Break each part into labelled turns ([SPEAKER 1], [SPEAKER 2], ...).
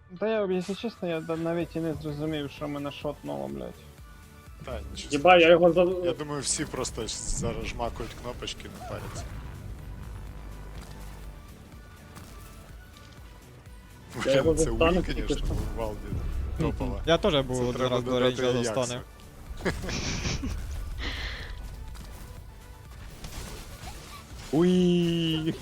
[SPEAKER 1] Та я, якщо чесно, я навіть і не зрозумів, що мене шотнуло, блядь.
[SPEAKER 2] Та, нічого
[SPEAKER 3] Єба, я його за...
[SPEAKER 2] Я думаю, всі просто зараз жмакають кнопочки, не паряться.
[SPEAKER 3] Я його
[SPEAKER 2] Це
[SPEAKER 3] застану,
[SPEAKER 2] Уіль,
[SPEAKER 3] тільки
[SPEAKER 2] конечно,
[SPEAKER 3] що.
[SPEAKER 2] в Валді топова.
[SPEAKER 4] Я теж
[SPEAKER 2] Це
[SPEAKER 4] був один
[SPEAKER 2] треба
[SPEAKER 4] раз до
[SPEAKER 2] додати
[SPEAKER 4] рейнджа
[SPEAKER 2] Аяксу.
[SPEAKER 4] достану.
[SPEAKER 1] Уи.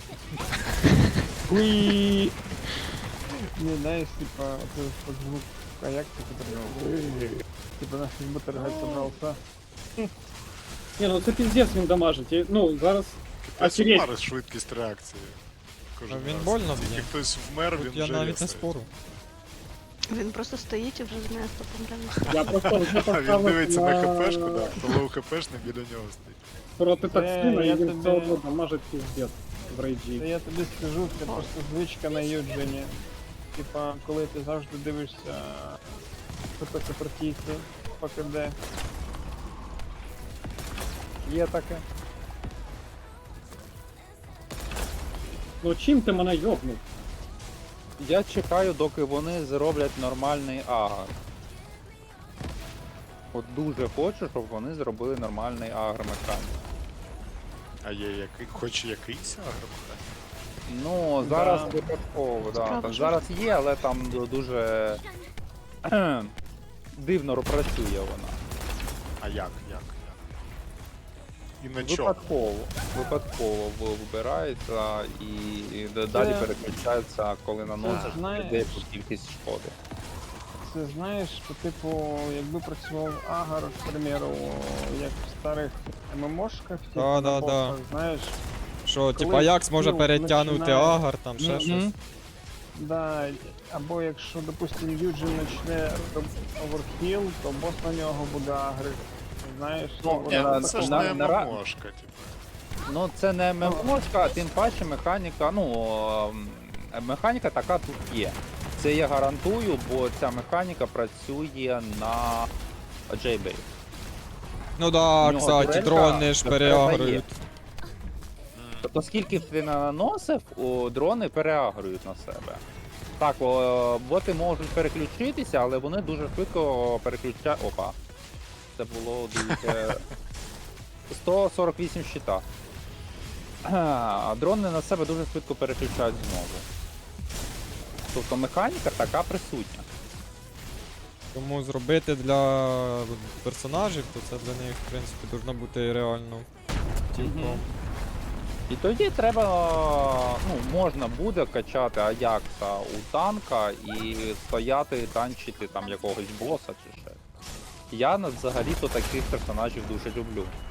[SPEAKER 1] Уи. Не, знаешь, типа, вот звук каякта, который... Типа, наш бутер собрался.
[SPEAKER 3] Ні, ну це піздець він дамажить. Ну, зараз...
[SPEAKER 2] Це
[SPEAKER 3] Офігеть.
[SPEAKER 2] Марс швидкість реакції. Кожен
[SPEAKER 4] Він
[SPEAKER 2] раз.
[SPEAKER 4] больно
[SPEAKER 2] Тільки
[SPEAKER 4] б'є.
[SPEAKER 2] хтось вмер,
[SPEAKER 4] Тут
[SPEAKER 2] він
[SPEAKER 4] я
[SPEAKER 2] вже
[SPEAKER 4] навіть не
[SPEAKER 2] рісає.
[SPEAKER 4] спорю.
[SPEAKER 5] Він просто стоїть і вже з места помре.
[SPEAKER 3] Я просто вже
[SPEAKER 2] А він
[SPEAKER 3] поставив
[SPEAKER 2] дивиться на
[SPEAKER 3] на...
[SPEAKER 2] ХПшку, так, хто лоу ХПшний біля нього стоїть.
[SPEAKER 3] проти токсина,
[SPEAKER 1] я
[SPEAKER 3] і він
[SPEAKER 1] тобі-
[SPEAKER 3] все одно дамажить піздець в
[SPEAKER 1] Та
[SPEAKER 3] рейджі.
[SPEAKER 1] я тобі скажу, це просто звичка на юджені. Типа, коли ти завжди дивишся хто супротивці, ПКД. Є таке.
[SPEAKER 3] Ну чим ти мене йобнув?
[SPEAKER 6] Я чекаю, доки вони зроблять нормальний агр. От дуже хочу, щоб вони зробили нормальний агр механік.
[SPEAKER 2] А є який, хоч якийсь агромеханік?
[SPEAKER 6] Ну, зараз випадково, да.
[SPEAKER 5] Справа
[SPEAKER 6] Так,
[SPEAKER 5] ж.
[SPEAKER 6] зараз є, але там дуже дивно працює вона.
[SPEAKER 2] А як? І на чому?
[SPEAKER 6] Випадково вибирається і далі переключається, коли наносиш
[SPEAKER 1] знаєш.
[SPEAKER 6] деяку кількість шкоди.
[SPEAKER 1] Це знаєш, що типу, якби працював агар, к примеру, як в старих ММОшках, типу,
[SPEAKER 4] Да,
[SPEAKER 1] на
[SPEAKER 4] да,
[SPEAKER 1] боссах,
[SPEAKER 4] да.
[SPEAKER 1] знаєш,
[SPEAKER 4] Що,
[SPEAKER 1] Коли
[SPEAKER 4] типа, Аякс може
[SPEAKER 1] скіл
[SPEAKER 4] перетягнути
[SPEAKER 1] починає-
[SPEAKER 4] агар, там ще
[SPEAKER 6] Мгм.
[SPEAKER 4] щось.
[SPEAKER 1] да, або якщо, допустим, Юджин почне оверхіл, то бос на нього буде агрив. Знаєш,
[SPEAKER 6] Ну,
[SPEAKER 2] Ні,
[SPEAKER 6] на-
[SPEAKER 2] ну це ж
[SPEAKER 6] на-
[SPEAKER 2] не
[SPEAKER 6] на ра-
[SPEAKER 2] ММОшка, типу.
[SPEAKER 6] Ну це не ММОшка, а тим паче механіка, механіка така тут є. Це я гарантую, бо ця механіка працює на Джейбері.
[SPEAKER 4] Ну да,
[SPEAKER 6] нього
[SPEAKER 4] кстати,
[SPEAKER 6] турелька
[SPEAKER 4] дрони ж переагрують.
[SPEAKER 6] Тобто скільки б ти не наносив, дрони переагрують на себе. Так, боти можуть переключитися, але вони дуже швидко переключають. Опа. Це було дуже... 148 щита. А дрони на себе дуже швидко переключають знову. Тобто механіка така присутня.
[SPEAKER 4] Тому зробити для персонажів, то це для них, в принципі, должно бути реально цілком.
[SPEAKER 6] Мгм. І тоді треба, можна буде качати Аякса у танка і стояти, танчити там якогось боса чи ще. Я взагалі-то таких персонажів дуже люблю.